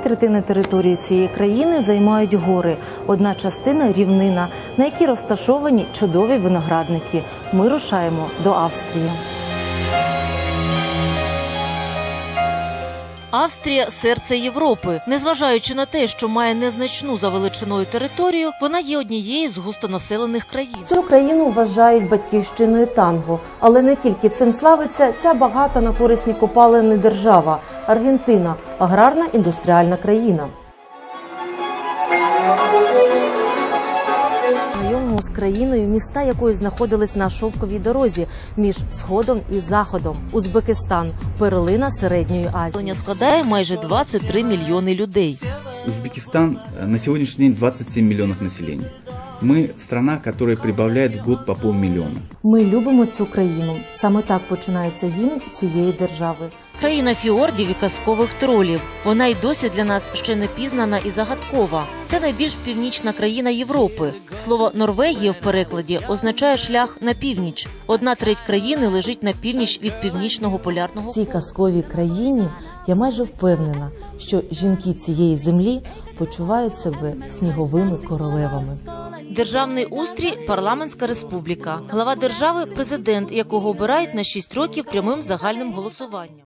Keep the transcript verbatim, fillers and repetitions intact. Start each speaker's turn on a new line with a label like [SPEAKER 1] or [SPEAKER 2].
[SPEAKER 1] третини території цієї країни займають гори, одна частина – рівнина, на якій розташовані чудові виноградники. Ми рушаємо до Австрії.
[SPEAKER 2] Австрія – серце Європи. Незважаючи на те, що має незначну за величиною територію, вона є однією з густонаселених країн.
[SPEAKER 1] Цю країну вважають батьківщиною танго. Але не тільки цим славиться ця багата на корисні копалини держава – Аргентина – аграрна індустріальна країна. Знайомимо з країною, міста якої знаходились на шовковій дорозі між Сходом і Заходом. Узбекистан – перлина Середньої Азії.
[SPEAKER 2] Населення складає майже двадцять три мільйони людей.
[SPEAKER 3] Узбекистан на сегодняшний день двадцать семь миллионов населения. Мы страна, которая прибавляет в год по полмиллиона.
[SPEAKER 1] Ми любимо цю країну. Саме так починається гімн цієї держави.
[SPEAKER 2] Країна фіордів і казкових тролів. Вона й досі для нас ще не пізнана і загадкова. Це найбільш північна країна Європи. Слово «Норвегія» в перекладі означає «шлях на північ». Одна треть країни лежить на північ від північного полярного.
[SPEAKER 1] В цій казковій країні я майже впевнена, що жінки цієї землі почувають себе сніговими королевами.
[SPEAKER 2] Державний устрій – парламентська республіка. Глава держави – президент, якого обирають на шість років прямим загальним голосуванням.